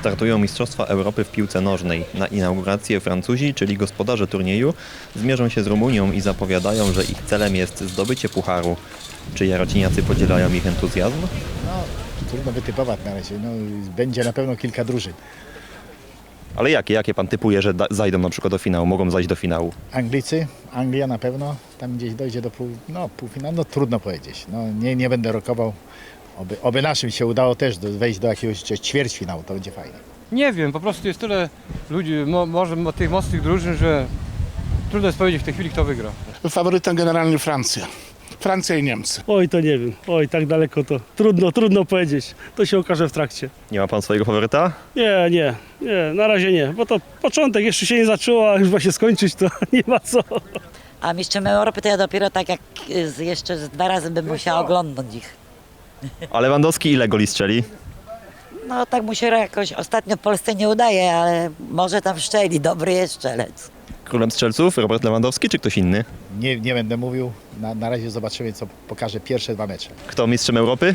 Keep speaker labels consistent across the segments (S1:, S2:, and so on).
S1: Startują Mistrzostwa Europy w piłce nożnej. Na inaugurację Francuzi, czyli gospodarze turnieju, zmierzą się z Rumunią i zapowiadają, że ich celem jest zdobycie pucharu. Czy jarociniacy podzielają ich entuzjazm?
S2: No, trudno wytypować na razie. No, będzie na pewno kilka drużyn.
S1: Ale jakie pan typuje, że zajdą na przykład do finału, mogą zajść do finału?
S2: Anglicy, Anglia na pewno, tam gdzieś dojdzie do półfinału, no trudno powiedzieć. No, nie będę rokował. Oby naszym się udało też wejść do jakiegoś ćwierćfinału, to będzie fajnie.
S3: Nie wiem, po prostu jest tyle ludzi, może tych mocnych drużyn, że trudno jest powiedzieć w tej chwili, kto wygra.
S4: Faworytem generalnie Francja. Francja i Niemcy.
S5: Oj, to nie wiem. Oj, tak daleko to trudno powiedzieć. To się okaże w trakcie.
S1: Nie ma pan swojego faworyta?
S5: Nie, na razie nie, bo to początek jeszcze się nie zaczęło, a już ma się skończyć, to nie ma co.
S6: A mistrzem Europy to ja dopiero tak jak jeszcze z 2 razy bym musiała oglądać ich.
S1: A Lewandowski ile goli strzeli?
S6: No tak mu się jakoś ostatnio w Polsce nie udaje, ale może tam szczeli, dobry jest strzelec.
S1: Królem strzelców Robert Lewandowski czy ktoś inny?
S2: Nie będę mówił, na razie zobaczymy, co pokaże pierwsze 2 mecze.
S1: Kto mistrzem Europy?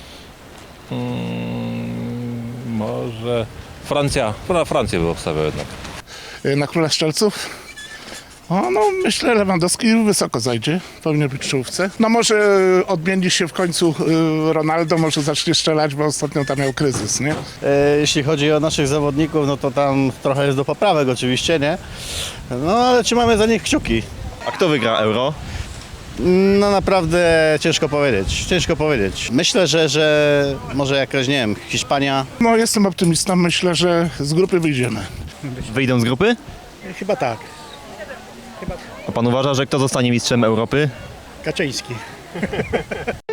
S7: Może Francja. Na Francję bym obstawiał jednak.
S4: Na króla strzelców? No myślę, Lewandowski wysoko zajdzie, powinien być w czołówce. No może odmieni się w końcu Ronaldo, może zacznie strzelać, bo ostatnio tam miał kryzys, nie?
S8: Jeśli chodzi o naszych zawodników, no to tam trochę jest do poprawek oczywiście, nie? No ale trzymamy za nich kciuki.
S1: A kto wygra Euro?
S8: No naprawdę ciężko powiedzieć. Myślę, że może jakaś, nie wiem, Hiszpania.
S4: No jestem optymistą, myślę, że z grupy wyjdziemy.
S1: Wyjdą z grupy?
S2: Chyba tak.
S1: A pan uważa, że kto zostanie mistrzem Europy?
S2: Kaczyński.